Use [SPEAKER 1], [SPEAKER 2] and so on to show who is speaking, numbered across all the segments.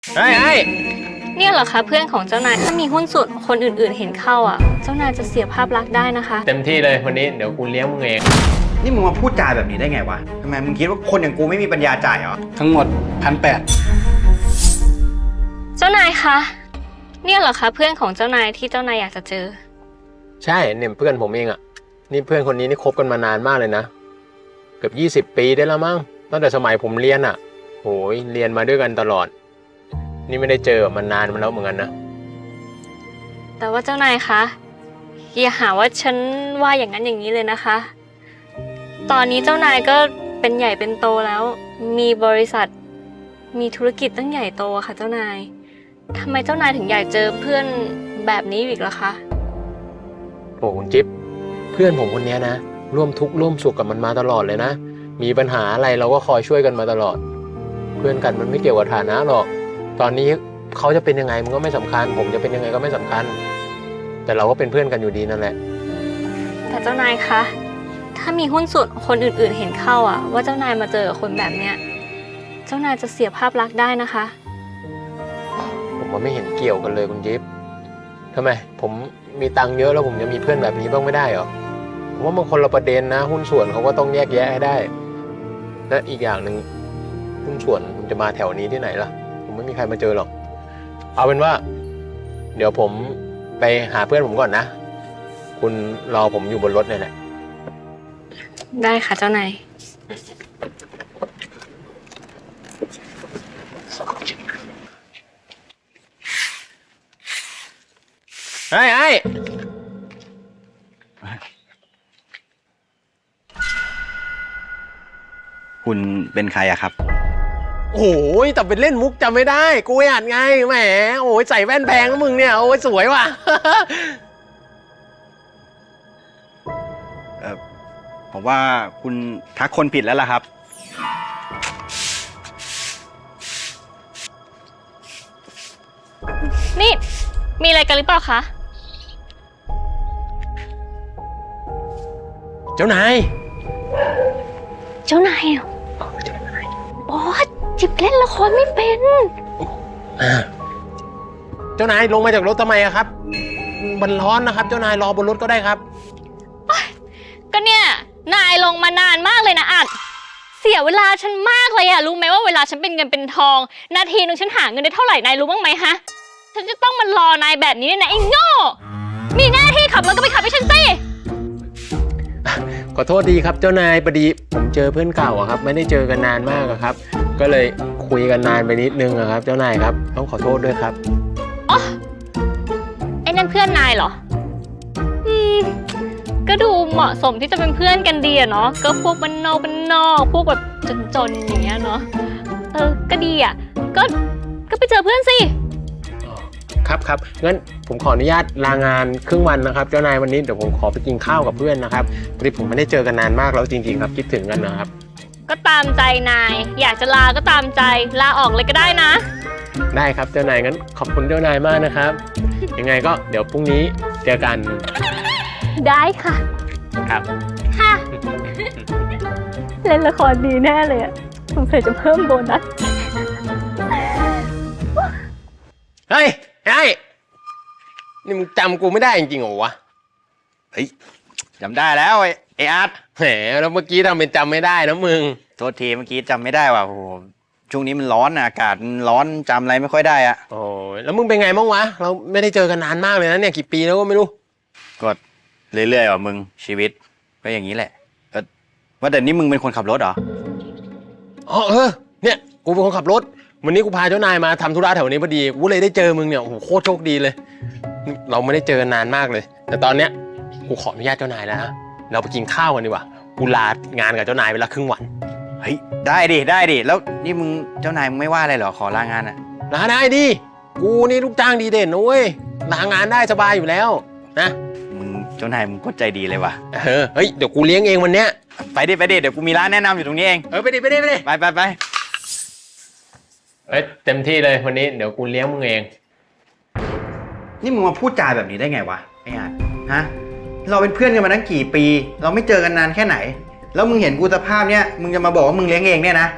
[SPEAKER 1] ไอ้
[SPEAKER 2] เนี่ยเหรอคะเพื่อนของเจ้านายถ้ามีหุ้นส่วนคนอื่นๆเห็นเข้าอ่ะเจ้านายจะเสียภาพลักษณ์ได้นะคะ
[SPEAKER 1] เต็มที่เลยวันนี้เดี๋ยวกูเลี้ยงมึงเอง
[SPEAKER 3] นี่มึงมาพูดจาแบบนี้ได้ไงวะทำไมมึงคิดว่าคนอย่างกูไม่มีปัญญาจ่ายเหรอ
[SPEAKER 4] ทั้งหมด1,800
[SPEAKER 2] เจ้านายคะเนี่ยเหรอคะเพื่อนของเจ้านายที่เจ้านายอยากจะเจอ
[SPEAKER 1] ใช่เนี่ยเพื่อนผมเองอ่ะนี่เพื่อนคนนี้นี่คบกันมานานมากเลยนะเกือบ20 ปีได้แล้วมั้งตั้งแต่สมัยผมเรียนอ่ะโหยเรียนมาด้วยกันตลอดนี่ไม่ได้เจอมันนานมาแล้วเหมือนกันนะ
[SPEAKER 2] แต่ว่าเจ้านายคะอย่าหาว่าฉันว่าอย่างนั้นอย่างนี้เลยนะคะตอนนี้เจ้านายก็เป็นใหญ่เป็นโตแล้วมีบริษัทมีธุรกิจตั้งใหญ่โตค่ะเจ้านายทำไมเจ้านายถึงอยากเจอเพื่อนแบบนี้อีกล่ะคะ
[SPEAKER 1] โอ้คุณจิ๊บเพื่อนผมคนนี้นะร่วมทุกข์ร่วมสุขกับมันมาตลอดเลยนะมีปัญหาอะไรเราก็คอยช่วยกันมาตลอดเพื่อนกันมันไม่เกี่ยวกับฐานะหรอกตอนนี้เขาจะเป็นยังไงมันก็ไม่สำคัญผมจะเป็นยังไงก็ไม่สำคัญแต่เราก็เป็นเพื่อนกันอยู่ดีนั่นแหละ
[SPEAKER 2] แต่เจ้านายคะถ้ามีหุ้นส่วนคนอื่นๆเห็นเข้าอ่ะว่าเจ้านายมาเจอกับคนแบบเนี้ยเจ้านายจะเสียภาพลักษณ์ได้นะคะ
[SPEAKER 1] ผมว่าไม่เห็นเกี่ยวกันเลยคุณจิ๊บทำไมผมมีตังค์เยอะแล้วผมจะมีเพื่อนแบบนี้บ้างไม่ได้เหรอผมว่ามันคนละประเด็นนะหุ้นส่วนเขาก็ต้องแยกแยะให้ได้และอีกอย่างหนึ่งหุ้นส่วนมันจะมาแถวนี้ที่ไหนล่ะผมไม่มีใครมาเจอหรอกเอาเป็นว่าเดี๋ยวผมไปหาเพื่อนผมก่อนนะคุณรอผมอยู่บนรถเนี่ยแหละ
[SPEAKER 2] ได้ค่ะเจ้านาย
[SPEAKER 1] ไอ้
[SPEAKER 3] คุณเป็นใครอะครับ
[SPEAKER 1] โอ้ยแต่เป็นเล่นมุกจำไม่ได้กูอ่านไงแหมโอ้ยใส่แว่นแพงแล้วมึงเนี่ยโอ้ยสวยว่ะ
[SPEAKER 3] ผมว่าคุณทักคนผิดแล้วล่ะครับ
[SPEAKER 2] นี่มีอะไรกันหรือเปล่าคะ
[SPEAKER 1] เจ้านาย
[SPEAKER 2] เหรอโอ้จิบเล่นละครไม่เป็น
[SPEAKER 1] เจ้านายลงมาจากรถทำไมอะครับมันร้อนนะครับเจ้านายรอบนรถก็ได้ครับ
[SPEAKER 2] ก็เนี่ยนายลงมานานมากเลยนะอัดเสียเวลาฉันมากเลยอะรู้ไหมว่าเวลาฉันเป็นเงินเป็นทองนาทีนึงฉันหาเงินได้เท่าไหร่นายรู้บ้างไหมฮะฉันจะต้องมารอนายแบบนี้เนี่ยนะไอ้โง่มีหน้าที่ขับรถก็ไปขับให้ฉันสิ
[SPEAKER 1] ขอโทษดีครับเจ้านายพอดีผมเจอเพื่อนเก่าอะครับไม่ได้เจอกันนานมากอะครับก็เลยคุยกันนานไปนิดนึงอะครับเจ้านายครับต้องขอโทษด้วยครับ
[SPEAKER 2] อ๋อไอ้นั่นเพื่อนนายเหรอก็ดูเหมาะสมที่จะเป็นเพื่อนกันดีอะเนาะก็พวกบ้านนอกพวกแบบจนๆอย่างเงี้ยเนาะก็ดีอะก็ไปเจอเพื่อนสิ
[SPEAKER 1] ครับงั้นผมขออนุญาตลางานครึ่งวันนะครับเจ้านายวันนี้เดี๋ยวผมขอไปกินข้าวกับเพื่อนนะครับพอดีผมไม่ได้เจอกันนานมากแล้วจริงๆครับคิดถึงกันนะครับ
[SPEAKER 2] ก็ตามใจนายอยากจะลาก็ตามใจลาออกเลยก็ได้นะ
[SPEAKER 1] ได้ครับเจ้านายงั้นขอบคุณเจ้านายมากนะครับยังไงก็เดี๋ยวพรุ่งนี้เจอกัน
[SPEAKER 2] ได้ค่ะ
[SPEAKER 1] ครับ
[SPEAKER 2] ค่ะเล่นละครดีแน่เลยอะสงสัยจะเพิ่มโบนัส
[SPEAKER 1] เฮ้ยนี่มึงจำกูไม่ได้จริงๆเหรอวะ
[SPEAKER 3] เฮ้ยจำได้แล้วไอ้อาร์ต
[SPEAKER 1] แหมแล้วเมื่อกี้ทำเป็นจำไม่ได้นะมึง
[SPEAKER 3] โทษทีเมื่อกี้จำไม่ได้ว่ะโอ้โหช่วงนี้มันร้อนอากาศมันร้อนจำอะไรไม่ค่อยได้อะ
[SPEAKER 1] โอ้ยแล้วมึงเป็นไงบ้างวะเราไม่ได้เจอกันนานมากเลยนะเนี่ยกี่ปีแล้วก็ไม่รู้
[SPEAKER 3] ก็เรื่อยๆว่ะมึงชีวิตก็อย่างนี้แหละว่าแต่นี่มึงเป็นคนขับรถเหรอ
[SPEAKER 1] เนี่ยกูเป็นคนขับรถวันนี้กูพาเจ้านายมาทำธุระแถวนี้พอดีกูเลยได้เจอมึงเนี่ยโอ้โหโคตรโชคดีเลยเราไม่ได้เจอกันนานมากเลยแต่ตอนเนี้ยกูขออนุญาตเจ้านายแล้วนะเราไปกินข้าวกันดีกว่ากูลางานกับเจ้านายไปละครึ่งวัน
[SPEAKER 3] เฮ้ยได้ดิแล้วนี่มึงเจ้านายมึงไม่ว่าอะไรเหรอขอลางานอะ
[SPEAKER 1] ลาได้ดิกูนี่ลูกจ้างดีเด่นนะเว้ยลางานได้สบายอยู่แล้วนะ
[SPEAKER 3] มึงเจ้านายมึงก็ใจดีเลยว่ะ
[SPEAKER 1] เฮ้ยเดี๋ยวกูเลี้ยงเองวันเนี้ย
[SPEAKER 3] ไปดิเดี๋ยวกูมีร้านแนะนำอยู่ตรงนี้เอง
[SPEAKER 1] ไปดิไปเต็มที่เลยวันนี้เดี๋ยวกูเลี้ยงมึงเอง
[SPEAKER 3] นี่มึงมาพูดจาแบบนี้ได้ไงวะไอ้อาร์ตฮะเราเป็นเพื่อนกันมาตั้งกี่ปีเราไม่เจอกันนานแค่ไหนแล้วมึงเห็นกูสภาพเนี้ยมึงจะมาบอกว่ามึงเลี้ยงเองเนี่ยนะ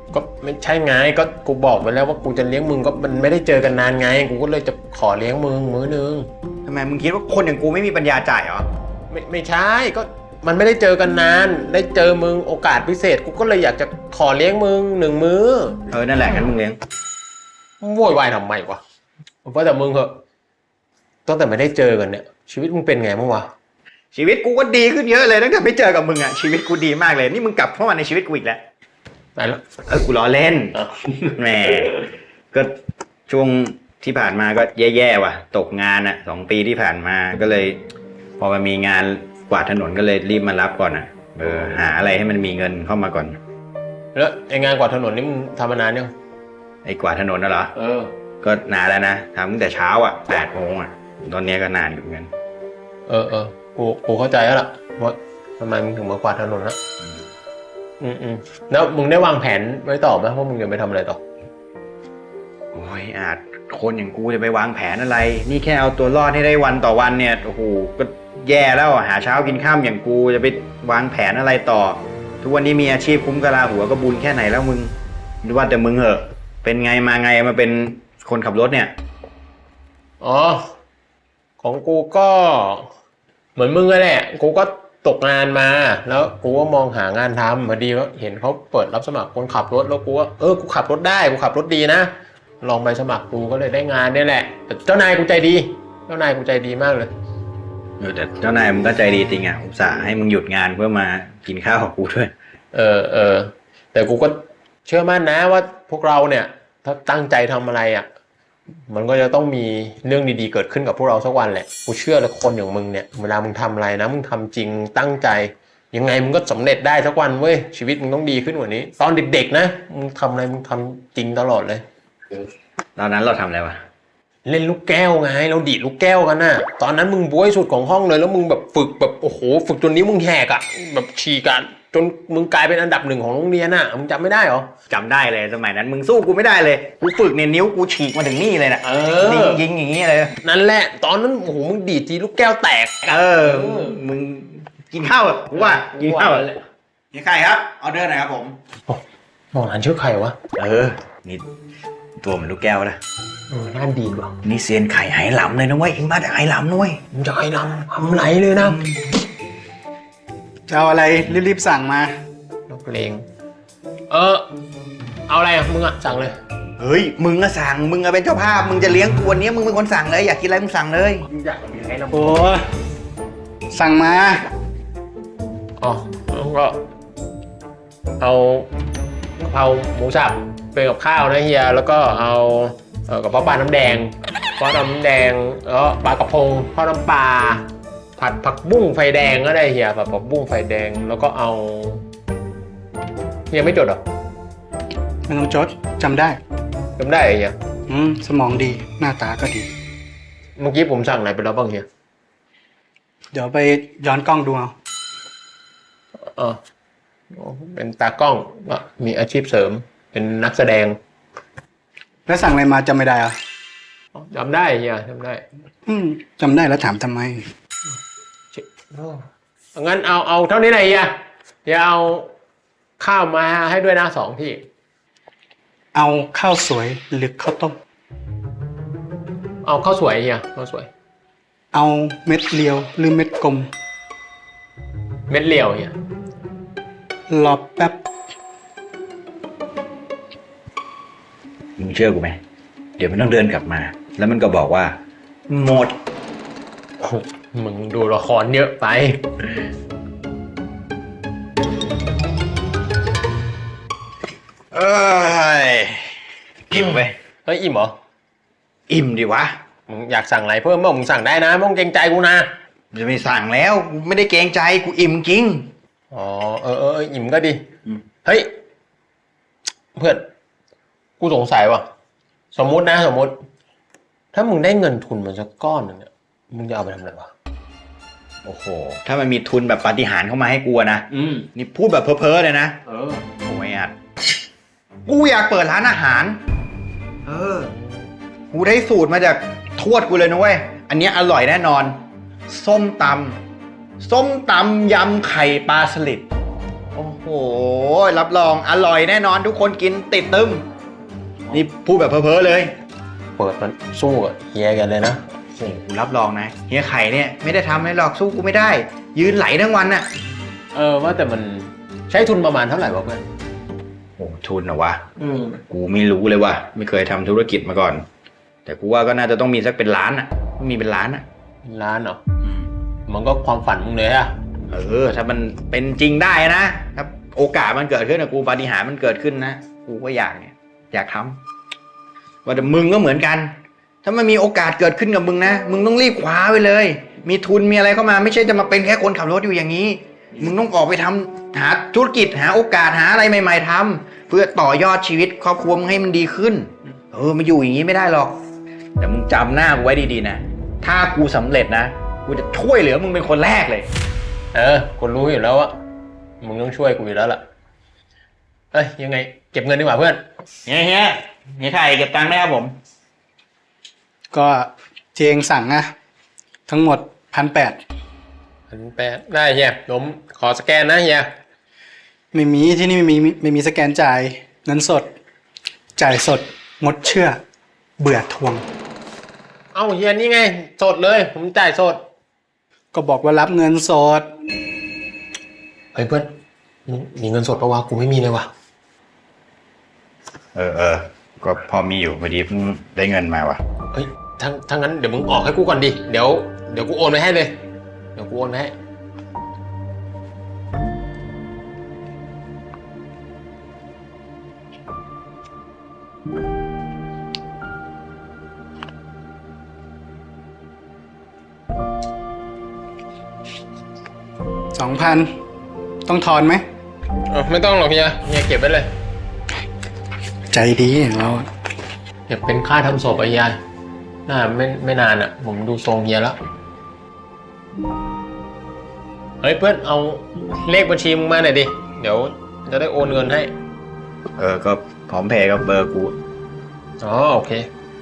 [SPEAKER 1] ก็ไม่ใช่ไงก็กูบอกไปแล้วว่ากูจะเลี้ยงมึงก็มันไม่ได้เจอกันนานไงกูก็เลยจะขอเลี้ยงมึงมื้อนึง
[SPEAKER 3] ทำไมมึงคิดว่าคนอย่างกูไม่มีปัญญาจ่ายเหรอ
[SPEAKER 1] ไม่ใช่ก็มันไม่ได้เจอกันนานได้เจอมึงโอกาสพิเศษกูก็เลยอยากจะขอเลี้ยงมึง1 มื้อ
[SPEAKER 3] นั่นแหละงั้นมึงเลี้ยง
[SPEAKER 1] โวยวายทำไมวะเพราะแต่มึงเหอะตั้งแต่ไม่ได้เจอกันเนี่ยชีวิตมึงเป็นไงบ้างวะ
[SPEAKER 3] ชีวิตกูก็ดีขึ้นเยอะเลยตั้งแต่ไม่เจอกับมึงอะชีวิตกูดีมากเลยนี่มึงกลับเข้ามาในชีวิตกูอีกแล้ว
[SPEAKER 1] ไหนละ
[SPEAKER 3] กูล้อเล่น
[SPEAKER 1] อ้าว
[SPEAKER 3] แหมก็ช่วงที่ผ่านมาก็แย่ๆว่ะตกงานอะ2 ปีที่ผ่านมาก็เลย พอมันมีงานกวาดถนนก็เลยรีบมารับก่อนอะหาอะไรให้มันมีเงินเข้ามาก่อน
[SPEAKER 1] แล้วไองานกวาดถนนนี่มึงทำมานานยัง
[SPEAKER 3] ไอ้กวาดถนนน่ะเหรอก็นานแล้วนะทำตั้งแต่เช้าอะ8 โมงอะตอนนี้ก็นานอยู่เหมือนกัน
[SPEAKER 1] กูเข้าใจแล้วล่ะว่าทำไมมึงถึงมากวาดถนนนะแล้วมึงได้วางแผนไว้ต่อไหมว่ามึงจะไปทำอะไรต่อ
[SPEAKER 3] โอ้ยอาจคนอย่างกูจะไปวางแผนอะไร นี่แค่เอาตัวรอดให้ได้วันต่อวันเนี่ยโอ้โหก็แย่แล้วหาเช้ากินข้ามอย่างกูจะไปวางแผนอะไรต่อ ทุกวันนี้มีอาชีพคุ้มกะลาหัวก็บุญแค่ไหนแล้วมึงดูว่าแต่มึงเหอะเป็นไงมาไงมาเป็นคนขับรถเนี่ย
[SPEAKER 1] อ๋อของกูก็เหมือนมึงเลยแหละกูก็ตกงานมาแล้วกูก็มองหางานทำพอดีว่าเห็นเขาเปิดรับสมัครคนขับรถแล้วกูว่ากูขับรถได้กูขับรถดีนะลองไปสมัครกูก็เลยได้งานนี่แหละแต่เจ้านายกูใจดีมากเลย
[SPEAKER 3] แต่เจ้านายมึงก็ใจดีจริงอ่ะอุตส่าห์ให้มึงหยุดงานเพื่อมากินข้าวกับกูด้วย
[SPEAKER 1] แต่กูก็เชื่อมั่นนะว่าพวกเราเนี่ยถ้าตั้งใจทำอะไรอ่ะมันก็จะต้องมีเรื่องดีๆเกิดขึ้นกับพวกเราสักวันแหละกูเชื่อเลยคนอย่างมึงเนี่ยเวลามึงทำอะไรนะมึงทำจริงตั้งใจยังไงมึงก็สำเร็จได้สักวันเว้ยชีวิตมึงต้องดีขึ้นกว่านี้ตอนเด็กๆนะมึงทำอะไรมึงทำจริงตลอดเลย
[SPEAKER 3] ตอนนั้นเราทำอะไรวะ
[SPEAKER 1] เล่นลูกแก้วไงเราดีดลูกแก้วกันน่ะตอนนั้นมึงบ๊วยสุดของห้องเลยแล้วมึงแบบฝึกแบบโอ้โหฝึกจนนิ้วมึงแหกอ่ะแบบฉีกกันจนมึงกลายเป็นอันดับ1ของโรงเรียนอ่ะมึงจำไม่ได้หรอ
[SPEAKER 3] จำได้เลยสมัยนั้นมึงสู้กูไม่ได้เลยกูฝึกเนี่ยนิ้วกูฉีกมาถึงนี่เลยนะยิงอย่างนี้เลย
[SPEAKER 1] นั่นแหละตอนนั้นโอ้โหมึงดีดทีลูกแก้วแตก
[SPEAKER 3] มึงกินข้าวกูว่ากินข้าวนี่ใครครับออเดอร์หน่อยครับผม
[SPEAKER 1] มองหันชื่อใครวะ
[SPEAKER 3] นี่ตัวเหมือนลูกแก้วนะ
[SPEAKER 1] น่าดีว่ะ
[SPEAKER 3] นี่เซียนไข่ไหหลำเลยนะเว้ยเอ็งมาจากไหหลำนะเว้ย
[SPEAKER 1] มึงจะไหหลำทำไรเลยนะ
[SPEAKER 4] จะเอาอะไรรีบๆสั่งมา
[SPEAKER 1] นักเลงเอาอะไรอ่ะมึงอ่ะสั่งเลย
[SPEAKER 3] เฮ้ยมึงอะสั่งมึงอะเป็นเจ้าภาพมึงจะเลี้ยงกูวันนี้มึงเป็นคนสั่งเลยอยากกินอะไรมึงสั่งเลย
[SPEAKER 1] อยากกินอะไรนะ
[SPEAKER 4] โอ้สั่งมา
[SPEAKER 1] แล้วก็เอากะเพราหมูสับเป็นกับข้าวนะเฮียแล้วก็เอากระเพาะปลาน้ำแดงแล้วปลากระพงทอดน้ำปลาผัดผักบุ้งไฟแดงก็ได้เฮียผัดผักบุ้งไฟแดงแล้วก็เอาเฮียไม่จดหรอ
[SPEAKER 4] ไม่ต้องจดจำได้
[SPEAKER 1] เฮีย
[SPEAKER 4] สมองดีหน้าตาก็ดี
[SPEAKER 1] เมื่อกี้ผมสั่งไหนไปแล้วบ้างเฮีย
[SPEAKER 4] เดี๋ยวไปย้อนกล้องดู
[SPEAKER 1] เอาเป็นตากล้องมีอาชีพเสริมเป็นนักแสดง
[SPEAKER 4] แล้วสั่งอะไรมาจำไม่ได้
[SPEAKER 1] จำได้เฮียจำได้
[SPEAKER 4] จำได้แล้วถามทำไม
[SPEAKER 1] งั้นเอาเท่านี้เลยเฮียเอาข้าวมาให้ด้วยนะ2 ที่
[SPEAKER 4] เอาข้าวสวยหรือข้าวต้ม
[SPEAKER 1] เอาข้าวสวยเฮียข้าวสวย
[SPEAKER 4] เอาเม็ดเรียวหรือเม็ดกลม
[SPEAKER 1] เม็ดเรียวเฮีย
[SPEAKER 4] รอแป๊บ
[SPEAKER 3] มึงเชื่อกูไหมเดี๋ยวมันต้องเดินกลับมาแล้วมันก็บอกว่าหมด
[SPEAKER 1] มึงดูละครเยอะไป
[SPEAKER 3] อิ่มไป
[SPEAKER 1] อิ่มเหรอ
[SPEAKER 3] อิ่มดิวะ
[SPEAKER 1] มึงอยากสั่งอะไรเพิ่มบ้างมึงสั่งได้นะไม่ต้องเกรงใจกูนะ
[SPEAKER 3] จะไม่สั่งแล้วกูไม่ได้เกรงใจกูอิ่มจริง
[SPEAKER 1] อิ่มก็ดีเฮ้ยเพื่อนกูสงสัยว่ะสมมุติถ้ามึงได้เงินทุนมาสักก้อนนึงเนี่ยมึงจะเอาไปทำอะไรวะ
[SPEAKER 3] โอ้โหถ้ามันมีทุนแบบปาฏิหาริย์เข้ามาให้กูนะนี่พูดแบบเพ้อๆเลยนะโอ้ยกูอยากเปิดร้านอาหารกูได้สูตรมาจากทวดกูเลยนะเว้ยอันนี้อร่อยแน่นอนส้มตำยำไข่ปลาสลิด
[SPEAKER 1] โอ้โห
[SPEAKER 3] รับรองอร่อยแน่นอนทุกคนกินติดตึมนี่พูดแบบเพ้อๆเลย
[SPEAKER 1] เปิดมันสู้กับเฮียกันเลยนะ
[SPEAKER 3] โอ้โหกูรับรองนะเฮียไข่เนี่ยไม่ได้ทำให้หรอกสู้กูไม่ได้ ยืนไหลทั้งวันน่ะ
[SPEAKER 1] ว่าแต่มันใช้ทุนประมาณเท่าไหร่วะเพื่อน
[SPEAKER 3] โอ้ทุนเหรอวะกูไม่รู้เลยว่ะไม่เคยทำธุรกิจมาก่อน แต่กูว่าก็น่าจะต้องมีสักเป็นล้านอ่ะต้องมีเป็นล้านอ่ะ
[SPEAKER 1] ล้านเหรอมันก็ความฝันมึงเลยอะ
[SPEAKER 3] ถ้ามันเป็นจริงได้นะถ้าโอกาสมันเกิดขึ้นนะกูปาฏิหาริย์มันเกิดขึ้นนะกูก็อยากทำว่าแต่มึงก็เหมือนกัน ถ้ามันมีโอกาสเกิดขึ้นกับมึงนะมึงต้องรีบคว้าไปเลย มีทุนมีอะไรเข้ามาไม่ใช่จะมาเป็นแค่คนขับรถอยู่อย่างนี้ มึงต้องออกไปทำหาธุรกิจหาโอกาสหาอะไรใหม่ ๆทำเพื่อต่อยอดชีวิตครอบครัวมึงให้มันดีขึ้นมาอยู่อย่างนี้ไม่ได้หรอกแต่มึงจำหน้ากูไว้ดีๆนะถ้ากูสำเร็จนะกูจะช่วยเหลือมึงเป็นคนแรกเลย
[SPEAKER 1] กูรู้อยู่แล้วว่ามึงต้องช่วยกูอยู่แล้วล่ะยังไงเก็บเงินดีกว่าเพื่อน
[SPEAKER 3] เฮียไข่เก็บตังค์ได้ครับผม
[SPEAKER 4] ก็เจงสั่งนะทั้งหมด
[SPEAKER 1] 1,800ได้เฮียผมขอสแกนนะเฮีย
[SPEAKER 4] ไม่มีที่นี่ไม่มีสแกนจ่ายเงินสด จ่ายสดงดเชื่อ เบื่อทวง
[SPEAKER 1] เฮียนี่ไงสดเลยผมจ่ายสด
[SPEAKER 4] ก็บอกว่ารับเงินสด
[SPEAKER 1] เฮ้ยเพื่อนมีเงินสดปะวะกูไม่มีเลยวะ
[SPEAKER 3] ก็พอมีอยู่พอดีเพิ่งได้เงินมาวะ
[SPEAKER 1] เฮ้ยถ้างั้นเดี๋ยวมึงออกให้กูก่อนดิเดี๋ยวกูโอนไปให้เลยเดี๋ยวกูโอนไปให้
[SPEAKER 4] 2,000ต้องทอนไหม
[SPEAKER 1] ไม่ต้องหรอกเฮียเก็บไว้เลย
[SPEAKER 4] ใจดีเรา
[SPEAKER 1] เก็บเป็นค่าทำศพไอ้ยายน่าไม่นานอ่ะผมดูทรงเฮียแล้วเฮ้ยเพื่อนเอาเลขบัญชีมึงมาหน่อยดิเดี๋ยวจะได้โอนเงินให้
[SPEAKER 3] ก็พร้อมเพย์กับเบอร์กู
[SPEAKER 1] โอเค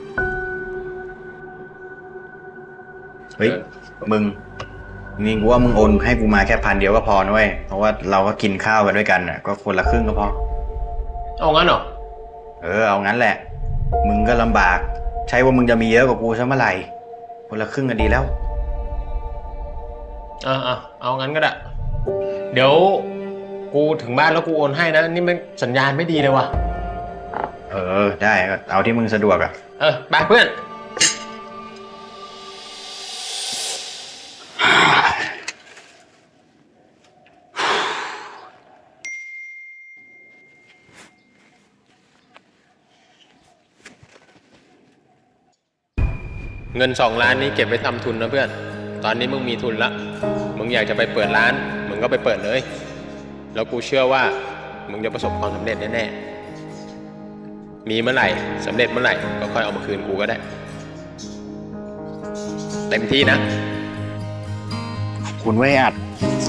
[SPEAKER 3] เฮ้ยมึงนี่กูว่ามึงโอนให้กูมาแค่1,000 เดียวก็พอนะเว้ยเพราะว่าเราก็กินข้าวกันด้วยกันน่ะก็คนละครึ่งก็พอ
[SPEAKER 1] เอางั้นเหรอ
[SPEAKER 3] เอางั้นแหละมึงก็ลำบากใช่ว่ามึงจะมีเยอะกว่ากูซะเมื่อไหร่คนละครึ่งก็ดีแล้ว
[SPEAKER 1] เอางั้นก็ได้เดี๋ยวกูถึงบ้านแล้วกูโอนให้นะนี่มันสัญญาณไม่ดีเลยว่ะ
[SPEAKER 3] ได้เอาที่มึงสะดวก
[SPEAKER 1] ไปเพื่อนเงิน2 ล้านนี้เก็บไว้ทำทุนนะเพื่อนตอนนี้มึงมีทุนละมึงอยากจะไปเปิดร้านมึงก็ไปเปิดเลยแล้วกูเชื่อว่ามึงจะประสบความสำเร็จแน่ๆมีเมื่อไหร่สำเร็จเมื่อไหร่ก็ค่อยเอามาคืนกูก็ได้เต็มที่นะ
[SPEAKER 3] ขอบคุณไว้อัด